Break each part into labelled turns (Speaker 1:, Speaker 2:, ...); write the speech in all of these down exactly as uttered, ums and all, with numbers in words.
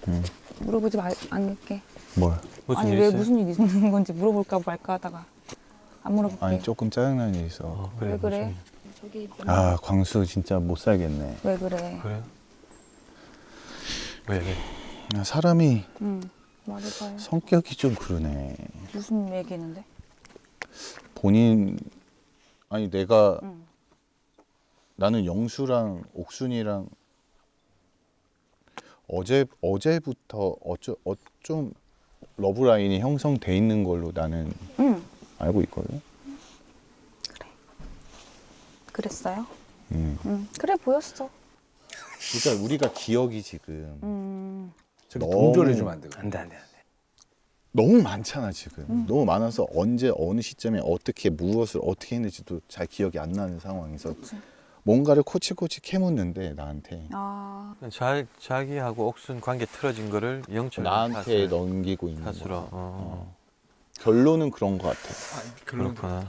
Speaker 1: 응.
Speaker 2: 물어보지 말, 않을게.
Speaker 1: 뭘?
Speaker 3: 무슨
Speaker 2: 아니
Speaker 3: 일
Speaker 2: 왜
Speaker 3: 있어요?
Speaker 2: 무슨 일 있는 건지 물어볼까 말까 하다가 안 물어볼게.
Speaker 1: 아니 조금 짜증나는 일 있어.
Speaker 3: 어,
Speaker 2: 왜 그래?
Speaker 3: 무슨
Speaker 2: 저기
Speaker 1: 아 광수 진짜 못 살겠네.
Speaker 2: 왜 그래?
Speaker 3: 일. 그래요? 왜 왜?
Speaker 1: 아, 사람이
Speaker 2: 응 말해봐요.
Speaker 1: 성격이 좀 그러네.
Speaker 2: 무슨 얘기는데?
Speaker 1: 본인 아니 내가
Speaker 2: 응.
Speaker 1: 나는 영수랑 옥순이랑 어제 어제부터 어쩌 어좀 러브라인이 형성돼 있는 걸로 나는
Speaker 2: 응.
Speaker 1: 알고 있거든.
Speaker 2: 그랬어요?
Speaker 1: 음.
Speaker 2: 응. 그래 보였어.
Speaker 1: 그러니까 우리가 기억이 지금
Speaker 2: 음.
Speaker 4: 저기
Speaker 1: 너무-
Speaker 4: 동조해주면 안 되고.
Speaker 3: 안돼 안돼 안돼.
Speaker 1: 너무 많잖아 지금.
Speaker 2: 음.
Speaker 1: 너무 많아서 언제 어느 시점에 어떻게 무엇을 어떻게 했는지도 잘 기억이 안 나는 상황에서
Speaker 2: 그치.
Speaker 1: 뭔가를 코치코치 캐묻는데 나한테
Speaker 2: 아.
Speaker 3: 자 자기하고 옥순 관계 틀어진 거를 영철
Speaker 1: 나한테 넘기고 있는
Speaker 3: 탓으로.
Speaker 1: 거야.
Speaker 3: 어.
Speaker 1: 어. 결론은 그런 것 같아.
Speaker 3: 그렇구나.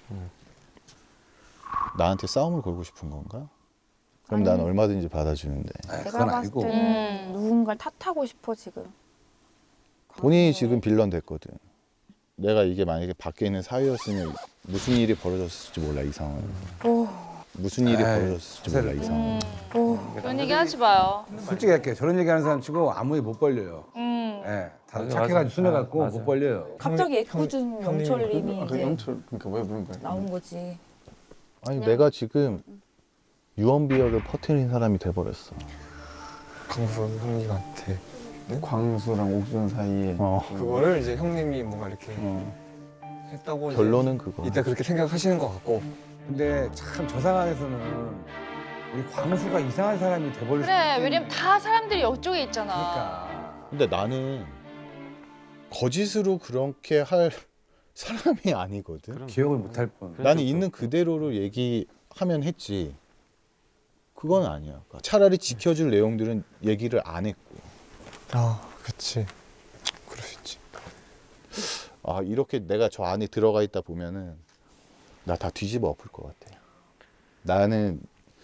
Speaker 1: 나한테 싸움을 걸고 싶은 건가? 그럼
Speaker 2: 아니.
Speaker 1: 난 얼마든지 받아주는데.
Speaker 4: 아,
Speaker 2: 내가
Speaker 4: 그건
Speaker 2: 봤을
Speaker 4: 아니고.
Speaker 2: 때는 누군가를 탓하고 싶어 지금.
Speaker 1: 본인이
Speaker 2: 광수에.
Speaker 1: 지금 빌런 됐거든. 내가 이게 만약에 밖에 있는 사위였으면 무슨 일이 벌어졌을지 몰라 이 상황.
Speaker 2: 오.
Speaker 1: 무슨 일이
Speaker 4: 에이,
Speaker 1: 벌어졌을지 몰라 이 상황.
Speaker 5: 음,
Speaker 2: 오.
Speaker 5: 그런 얘기 하지 마요.
Speaker 4: 솔직히 할게요. 저런 얘기하는 사람 치고 아무 일 못 벌려요.
Speaker 5: 음.
Speaker 4: 예, 다들
Speaker 3: 맞아,
Speaker 4: 착해가지고
Speaker 3: 맞아.
Speaker 4: 순해갖고
Speaker 3: 아,
Speaker 4: 못
Speaker 3: 맞아.
Speaker 4: 벌려요.
Speaker 2: 갑자기 애꿎은 영철님이
Speaker 6: 아, 그
Speaker 2: 이제
Speaker 6: 영철 그러니까 왜 부른 거야?
Speaker 2: 나온 거지.
Speaker 1: 아니
Speaker 2: 그냥-
Speaker 1: 내가 지금 유언비어를 퍼뜨린 사람이 돼버렸어.
Speaker 6: 광수 형님한테 광수랑 옥순 사이에
Speaker 1: 어.
Speaker 6: 그거를 이제 형님이 뭔가 이렇게
Speaker 1: 어.
Speaker 6: 했다고 이제
Speaker 1: 결론은 그거.
Speaker 6: 이따 그렇게 생각하시는 것 같고
Speaker 4: 근데 참 저 상황에서는 우리 광수가 이상한 사람이 돼버릴 수
Speaker 5: 그래,
Speaker 4: 있겠네.
Speaker 5: 왜냐면 다 사람들이 이쪽에 있잖아.
Speaker 4: 그러니까.
Speaker 1: 근데 나는 거짓으로 그렇게 할 사람이 아니거든.
Speaker 3: 그럼.
Speaker 4: 기억을 못 할 뿐.
Speaker 3: 그래.
Speaker 1: 나는
Speaker 3: 그렇죠.
Speaker 1: 있는 그대로를 얘기하면 했지. 그건 아니야. 그러니까 차라리 지켜줄 내용들은 얘기를 안 했고.
Speaker 6: 아 그치 그럴 수 있지.
Speaker 1: 아 이렇게 내가 저 안에 들어가 있다 보면은 나 다 뒤집어 엎을 것 같아. 나는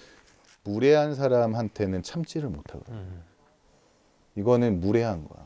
Speaker 1: 무례한 사람한테는 참지를 못하거든.
Speaker 3: 음.
Speaker 1: 이거는 무례한 거야.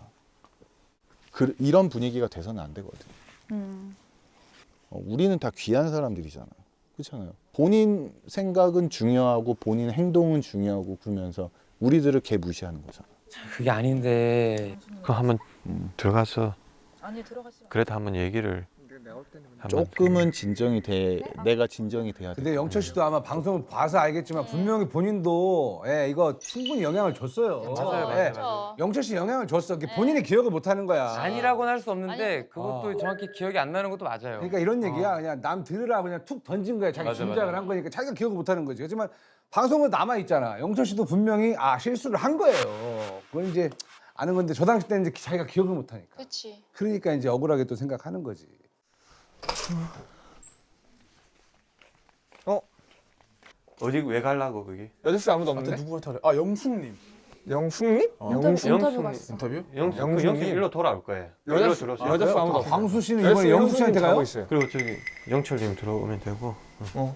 Speaker 1: 그, 이런 분위기가 돼서는 안 되거든.
Speaker 2: 음.
Speaker 1: 어, 우리는 다 귀한 사람들이잖아. 그렇잖아요. 본인 생각은 중요하고 본인 행동은 중요하고 그러면서 우리들을 개 무시하는 거잖아.
Speaker 7: 그게 아닌데
Speaker 3: 그 한번
Speaker 1: 음.
Speaker 3: 들어가서
Speaker 2: 아니 들어가지 마.
Speaker 3: 그래도 한번 얘기를 한번
Speaker 1: 조금은 진정이 돼. 내가 진정이 돼야 돼.
Speaker 4: 근데 영철 씨도 아마 방송을 봐서 알겠지만 분명히 본인도 예, 이거 충분히 영향을 줬어요.
Speaker 3: 맞아요,
Speaker 4: 예.
Speaker 3: 맞아요,
Speaker 5: 맞아요.
Speaker 4: 영철 씨 영향을 줬어. 그게 본인이 기억을 못 하는 거야.
Speaker 7: 아니라고는 할 수 없는데
Speaker 5: 아니.
Speaker 7: 그것도
Speaker 4: 어.
Speaker 7: 정확히 기억이 안 나는 것도 맞아요.
Speaker 4: 그러니까 이런 얘기야. 그냥 남 들으라 그냥 툭 던진 거야. 자기
Speaker 7: 맞아,
Speaker 4: 짐작을
Speaker 7: 맞아.
Speaker 4: 한 거니까 자기가 기억을 못 하는 거지. 하지만 방송은 남아 있잖아. 영철 씨도 분명히 아 실수를 한 거예요. 그건 이제 아는 건데 저 당시 때는 이제 자기가 기억을 못 하니까.
Speaker 5: 그렇지.
Speaker 4: 그러니까 이제 억울하게 또 생각하는 거지.
Speaker 3: 어디 왜 갈라고 그게?
Speaker 6: 여자수 아무도 없는데?
Speaker 8: 누구한테 하래? 아 영숙님
Speaker 6: 영숙님?
Speaker 2: 인터뷰, 인터뷰 갔어.
Speaker 8: 인터뷰?
Speaker 3: 영수 그
Speaker 6: 영수님.
Speaker 3: 영수 일로 돌아올 거예요. 일로
Speaker 6: 여자수
Speaker 3: 들어오세요.
Speaker 6: 여자수 아무도 없어.
Speaker 4: 광수 씨는 이번에 영숙 씨한테 가요?
Speaker 6: 있어요.
Speaker 3: 그리고 저기 영철님 들어오면 되고.
Speaker 6: 어.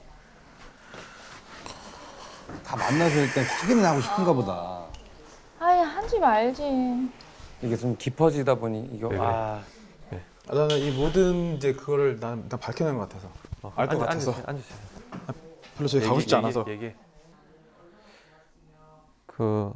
Speaker 4: 다 만나서 일단 확인을 하고 싶은가 보다.
Speaker 5: 아이, 하지 말지.
Speaker 7: 이게 좀 깊어지다 보니 이거
Speaker 3: 네, 네.
Speaker 7: 아
Speaker 8: 아, 나는 이 모든 이제 그거를 난, 난 밝혀낸 것 같아서
Speaker 3: 어,
Speaker 8: 알 것
Speaker 3: 앉아,
Speaker 8: 같아서
Speaker 3: 앉으세요. 앉으세요.
Speaker 8: 별로 저기 가고
Speaker 3: 얘기,
Speaker 8: 싶지
Speaker 3: 얘기,
Speaker 8: 않아서
Speaker 3: 얘기. 그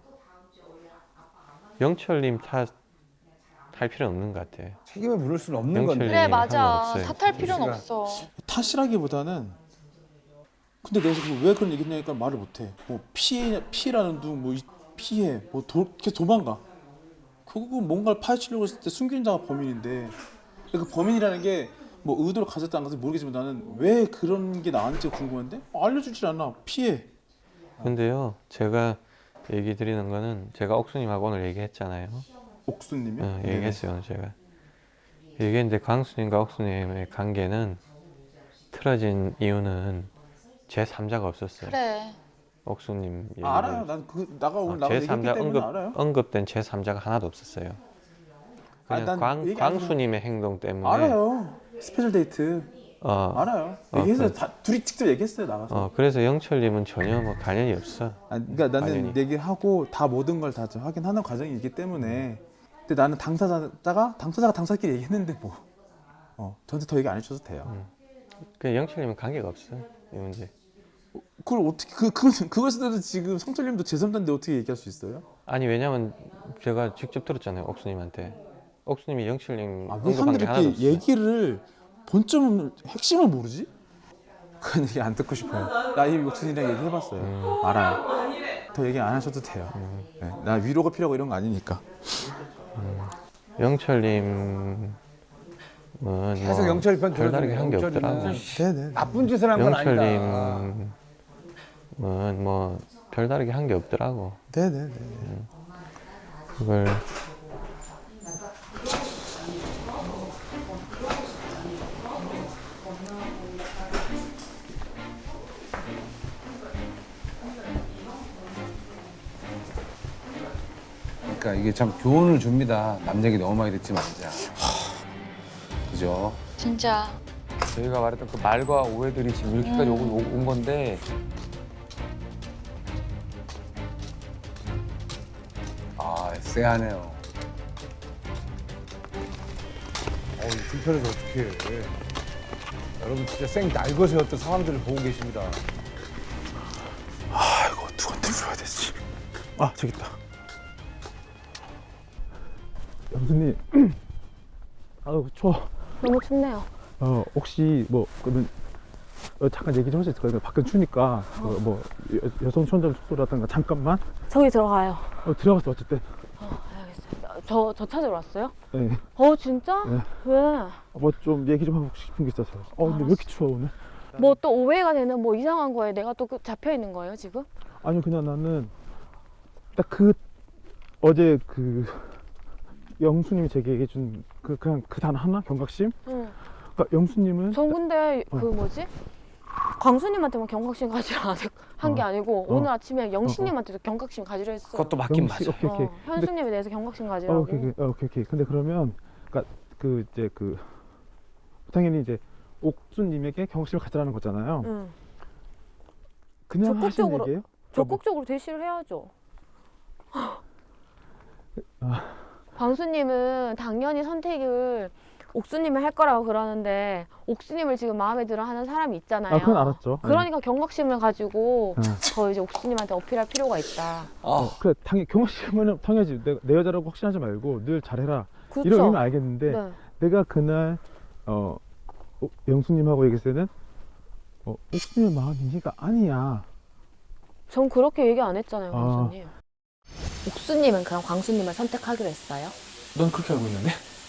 Speaker 3: 영철님 탓 할 필요 없는 것 같아.
Speaker 4: 책임을 물을 수는 없는
Speaker 3: 영철이-
Speaker 4: 건데.
Speaker 5: 그래,
Speaker 3: 할
Speaker 5: 맞아.
Speaker 3: 말 없어요.
Speaker 5: 탓할 필요는
Speaker 4: 시간.
Speaker 5: 없어.
Speaker 8: 탓이라기보다는 근데 내가 지금 왜 그런 얘기냐니까 말을 못해. 뭐 피해 피해라는 둥뭐 피해 뭐 도, 계속 도망가. 그거 뭔가를 파헤치려고 했을 때 숨기는 자가 범인인데 그 범인이라는 게 뭐 의도를 가졌다는 것은 모르겠지만 나는 왜 그런 게 나한테 궁금한데 알려주질 않아. 피해.
Speaker 3: 근데요, 제가 얘기 드리는 거는 제가 옥수님하고 오늘 얘기했잖아요.
Speaker 8: 옥수님이?
Speaker 3: 어, 얘기했어요, 오늘 제가. 얘기했는데 광수님과 옥수님의 관계는 틀어진 이유는 제삼자가 없었어요.
Speaker 5: 그래.
Speaker 3: 옥수님 얘기를.
Speaker 8: 아, 알아요. 난 그 나가 오늘
Speaker 3: 어,
Speaker 8: 나가 얘기했기
Speaker 3: 제삼자
Speaker 8: 때문에
Speaker 3: 언급,
Speaker 8: 알아요.
Speaker 3: 언급된 제삼자가 하나도 없었어요.
Speaker 8: 아,
Speaker 3: 그냥
Speaker 8: 난
Speaker 3: 광,
Speaker 8: 얘기 안 해서-
Speaker 3: 광수님의 행동 때문에.
Speaker 8: 알아요. 스페셜 데이트.
Speaker 3: 어,
Speaker 8: 알아요.
Speaker 3: 어,
Speaker 8: 얘기했어요.
Speaker 3: 그래.
Speaker 8: 다 둘이 직접 얘기했어요 나가서.
Speaker 3: 어, 그래서 영철님은 전혀 뭐 관련이 없어.
Speaker 8: 아, 그러니까 나는
Speaker 3: 당연히.
Speaker 8: 얘기를 하고 다 모든 걸 다 확인하는 과정이 있기 때문에. 근데 나는 당사자가 당사자가 당사끼리 얘기했는데 뭐. 어, 저한테 더 얘기 안 해주셔도 돼요.
Speaker 3: 음. 그 영철님은 관계가 없어 이 문제.
Speaker 8: 그걸 어떻게 그 그거 그것에도 지금 성철님도 제삼자인데 어떻게 얘기할 수 있어요?
Speaker 3: 아니 왜냐면 제가 직접 들었잖아요 옥수님한테. 옥수님이 영철님
Speaker 8: 아, 왜
Speaker 3: 언급한
Speaker 8: 사람들이
Speaker 3: 게 하나도
Speaker 8: 이렇게
Speaker 3: 없어.
Speaker 8: 얘기를 본점 핵심을 모르지? 그건 얘기 안 듣고 싶어요. 나 이미 옥순이랑 얘기해봤어요.
Speaker 3: 음.
Speaker 8: 알아요. 더 얘기 안 하셔도 돼요. 네, 나 위로가 필요하고 이런 거 아니니까.
Speaker 3: 영철님은 뭐
Speaker 4: 계속 영철 편
Speaker 3: 별다르게 한 게
Speaker 4: 들어주면
Speaker 3: 없더라고.
Speaker 4: 영철이는
Speaker 8: 네네.
Speaker 4: 나쁜 짓을 한 건 아니다.
Speaker 3: 영철님은 뭐 별다르게 한 게 없더라고.
Speaker 8: 네네네.
Speaker 3: 그걸
Speaker 4: 그러니까 이게 참 교훈을 줍니다. 남 얘기 너무 많이 듣지 말자. 그죠?
Speaker 5: 진짜.
Speaker 7: 저희가 말했던 그 말과 오해들이 지금 이렇게까지
Speaker 5: 음.
Speaker 7: 오- 온 건데
Speaker 4: 아, 쎄하네요. 어우, 불편해서 어떡해. 여러분 진짜 쌩 날것이었던 상황들을 보고 계십니다.
Speaker 8: 아 이거 누구한테 물어야 되지? 아 저기 있다.
Speaker 9: 영수님, 아우 추워.
Speaker 2: 너무 춥네요.
Speaker 9: 어 혹시 뭐 그러면 어, 잠깐 얘기 좀 할 수 있을까요? 밖은 추니까 어, 뭐 여, 여성 수영장 숙소라든가 잠깐만.
Speaker 2: 저기 들어가요.
Speaker 9: 어, 들어갔어 어쨌든.
Speaker 2: 어, 알겠어요. 저, 저 찾으러 왔어요?
Speaker 9: 네.
Speaker 2: 어, 진짜?
Speaker 9: 네.
Speaker 2: 왜?
Speaker 9: 뭐 좀 얘기 좀 하고 싶은 게 있어서. 어 근데 왜 이렇게 추워 오늘?
Speaker 2: 뭐 또 오해가 되는 뭐 이상한 거에 내가 또 그- 잡혀 있는 거예요, 지금?
Speaker 9: 아니요 그냥 나는 딱 그 어제 그 영수님이 제게 얘기해 준 그 그냥 그 단어 하나 경각심.
Speaker 2: 응.
Speaker 9: 그러니까 영수님은
Speaker 2: 전 근데
Speaker 9: 어.
Speaker 2: 그 뭐지? 광수님한테만 경각심 가지려 한 게
Speaker 9: 어.
Speaker 2: 아니고
Speaker 9: 어.
Speaker 2: 오늘 아침에 영신님한테도 경각심 가지려 했어.
Speaker 7: 그것도 맞긴
Speaker 9: 영수-
Speaker 7: 맞아.
Speaker 9: 오케이 오케이.
Speaker 2: 어, 현수님에 대해서 경각심
Speaker 9: 어,
Speaker 2: 가지라고.
Speaker 9: 오케이, 오케이, 어, 오케이, 오케이. 근데 그러면, 그니까, 그, 이제 그, 당연히 이제, 옥수님에게 경각심을 가지라는 거잖아요.
Speaker 2: 응.
Speaker 9: 그냥 하신
Speaker 2: 적극적으로-
Speaker 9: 얘기예요?
Speaker 2: 적극적으로 대시를 해야죠.
Speaker 9: 아.
Speaker 2: 광수님은 당연히 선택을 옥수님을 할 거라고 그러는데 옥수님을 지금 마음에 들어 하는 사람이 있잖아요.
Speaker 9: 아, 그건 알았죠.
Speaker 2: 그러니까 경각심을 가지고
Speaker 9: 응.
Speaker 2: 더 이제 옥수님한테 어필할 필요가 있다.
Speaker 9: 어, 그래, 당연히, 경각심은 당연하지. 내가 내 여자라고 확신하지 말고 늘 잘해라.
Speaker 2: 그렇죠.
Speaker 9: 이런 의미는 알겠는데,
Speaker 2: 네.
Speaker 9: 내가 그날, 어, 어, 영수님하고 얘기했을 때는, 어, 옥수님의 마음이 네가 아니야.
Speaker 2: 전 그렇게 얘기 안 했잖아요,
Speaker 9: 아.
Speaker 2: 광수님. 옥수님은 그럼 광수님을 선택하기로 했어요?
Speaker 8: 넌 그렇게 알고 있는데?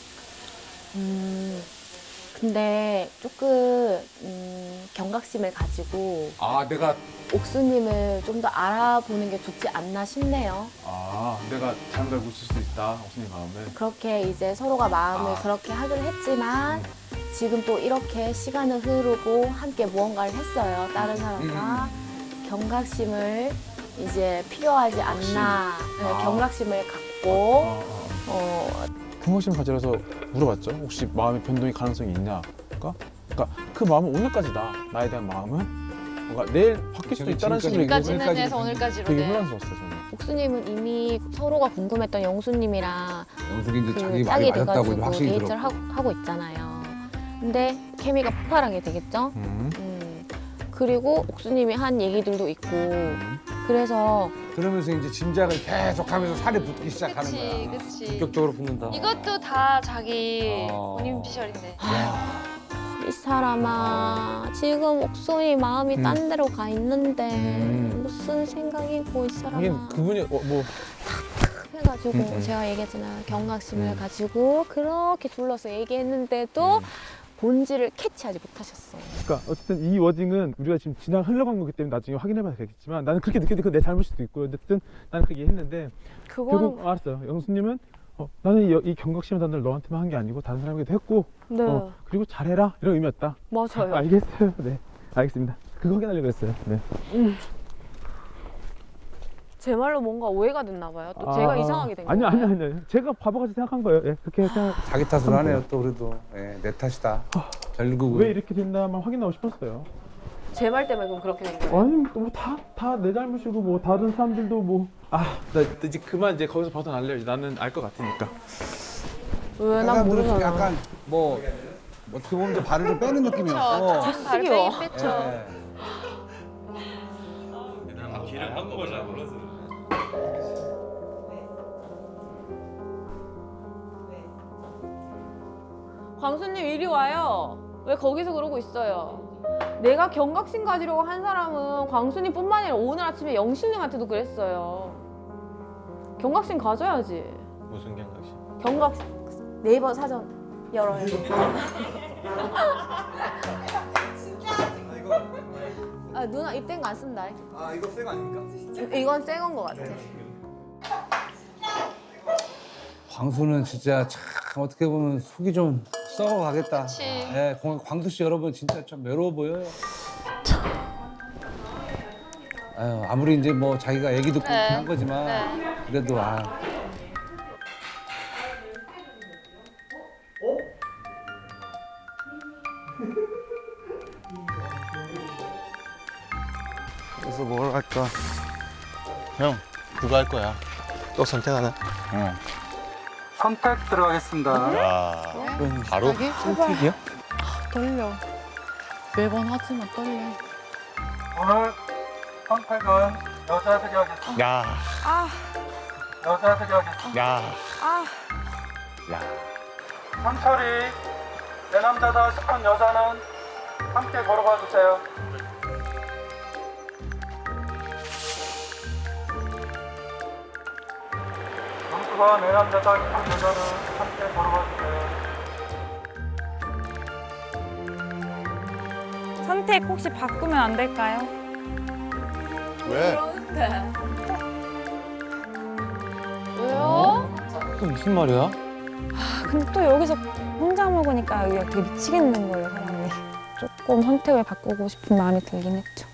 Speaker 2: 음, 근데 조금 음, 경각심을 가지고
Speaker 4: 아, 내가
Speaker 2: 옥수님을 좀 더 알아보는 게 좋지 않나 싶네요.
Speaker 8: 아 내가 잘못 알고 있을 수도 있다 옥순이 마음을.
Speaker 2: 그렇게 이제 서로가 마음을
Speaker 8: 아.
Speaker 2: 그렇게 하기로 했지만 지금 또 이렇게 시간은 흐르고 함께 무언가를 했어요. 다른 사람과 경각심을 이제 필요하지 않나. 네,
Speaker 8: 아.
Speaker 2: 경각심을 갖고
Speaker 8: 어, 어.
Speaker 2: 어,
Speaker 8: 경각심 가지라서 물어봤죠. 혹시 마음의 변동의 가능성이 있냐? 그러니까, 그러니까 그 마음은 오늘까지다. 나에 대한 마음은 뭔가 내일 바뀔 수도 있다는 식으로 얘기해서
Speaker 5: 지금까지는
Speaker 4: 여기까지
Speaker 5: 해서 오늘까지로
Speaker 8: 되게
Speaker 5: 돼.
Speaker 8: 혼란스러웠어요 저는.
Speaker 2: 옥수님은 이미 서로가 궁금했던 영수님이랑
Speaker 4: 영숙이 이제
Speaker 2: 그
Speaker 4: 자기
Speaker 2: 짝이
Speaker 4: 말이 맞았다고 이제
Speaker 2: 돼가지고
Speaker 4: 확신이
Speaker 2: 데이트를
Speaker 4: 들었고.
Speaker 2: 하고, 하고 있잖아요. 근데 케미가 폭발하게 되겠죠?
Speaker 8: 음.
Speaker 2: 음, 그리고 옥수님이 한 얘기들도 있고 그래서
Speaker 4: 그러면서 이제 짐작을 계속하면서 살이 붙기 시작하는
Speaker 5: 그치,
Speaker 4: 거야.
Speaker 5: 그치.
Speaker 7: 본격적으로 붙는다.
Speaker 5: 이것도 다 자기
Speaker 4: 어.
Speaker 5: 본인 피셜인데.
Speaker 2: 이 사람아 지금 옥순이 마음이
Speaker 8: 음.
Speaker 2: 딴 데로 가 있는데
Speaker 8: 음.
Speaker 2: 무슨 생각이고 이 사람아
Speaker 8: 하긴 그분이 어, 뭐
Speaker 2: 해가지고
Speaker 8: 음, 음.
Speaker 2: 제가 얘기했잖아요. 경각심을
Speaker 8: 음.
Speaker 2: 가지고 그렇게 둘러서 얘기했는데도
Speaker 8: 음.
Speaker 2: 본질을 캐치하지 못하셨어.
Speaker 9: 그러니까 어쨌든 이 워딩은 우리가 지금 지나 흘러간 거기 때문에 나중에 확인해봐야 되겠지만 나는 그렇게 느꼈는데 그건 내 잘못일 수도 있고 어쨌든 나는 그렇게 했는데
Speaker 2: 그거는
Speaker 9: 결국 알았어요. 영수님은 어, 나는 이, 이 경각심의 단어를 너한테만 한 게 아니고 다른 사람에게도 했고
Speaker 2: 네
Speaker 9: 어, 그리고 잘해라 이런 의미였다.
Speaker 2: 맞아요.
Speaker 9: 아, 알겠어요. 네, 알겠습니다. 그거 확인하려고 했어요. 네.
Speaker 2: 제 말로 뭔가 오해가 됐나 봐요. 또
Speaker 9: 아,
Speaker 2: 제가 이상하게 된
Speaker 9: 아니
Speaker 2: 건가요?
Speaker 9: 아니 아니 제가 바보같이 생각한 거예요. 예, 그렇게 생각.
Speaker 4: 자기 탓을 하네요 또 그래도. 예, 내 탓이다. 결국은.
Speaker 9: 왜 이렇게 됐나만 확인하고 싶었어요.
Speaker 2: 제 말 때문에 그럼 그렇게 된 거예요?
Speaker 9: 아니 뭐다 다 내 잘못이고 뭐 다른 사람들도 뭐. 아나 이제 그만 이제 거기서 벗어날래요. 나는 알 것 같으니까.
Speaker 2: 왜? 난
Speaker 4: 사람들은 좀
Speaker 2: 모르잖아.
Speaker 4: 약간 뭐 어떻게 보면 이제 발을 좀 빼는 느낌이었고.
Speaker 2: 쓰기요.
Speaker 5: 발빼기 뺐죠.
Speaker 4: 예.
Speaker 2: 광수님 이리 와요. 왜 거기서 그러고 있어요? 내가 경각심 가지려고 한 사람은 광수님뿐만 아니라 오늘 아침에 영신님한테도 그랬어요. 경각심 가져야지.
Speaker 3: 무슨 경각심?
Speaker 2: 경각 네이버 사전 열어요. 아 누나 입된 거 안 쓴다.
Speaker 6: 아 이거 새 거 아닙니까?
Speaker 2: 이건 새건 거 같아.
Speaker 4: 광수는 진짜 참 어떻게 보면 속이 좀 썩어가겠다.
Speaker 5: 그치.
Speaker 4: 예, 광- 광수 씨 여러분 진짜 참 외로워 보여요. 아유, 아무리 이제 뭐 자기가 애기도 그렇게
Speaker 5: 네.
Speaker 4: 한 거지만
Speaker 5: 네.
Speaker 4: 그래도 아.
Speaker 6: 그래서 뭘 할까?
Speaker 1: 형 그거 할 거야.
Speaker 3: 또 선택하나?
Speaker 1: 응.
Speaker 8: 선택 들어가겠습니다.
Speaker 1: 야 바로
Speaker 3: 선택이요?
Speaker 10: 떨려. 매번 하지만 떨려.
Speaker 8: 오늘 선택은 여자들이 하겠습니다.
Speaker 1: 야.
Speaker 8: 여자들이 하겠습니다.
Speaker 1: 야. 야.
Speaker 8: 상철이 내 남자다 싶은 여자는 함께 걸어봐 주세요. 영수가 내 남자다 싶은 여자는 함께 걸어봐 주세요.
Speaker 10: 선택 혹시 바꾸면 안 될까요?
Speaker 1: 왜?
Speaker 2: 왜요?
Speaker 3: 또 무슨 말이야?
Speaker 10: 근데 또 여기서 혼자 먹으니까 여기가 되게 미치겠는 거예요, 사람이. 조금 선택을 바꾸고 싶은 마음이 들긴 했죠.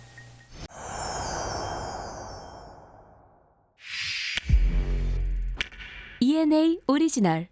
Speaker 11: 이엔에이 오리지널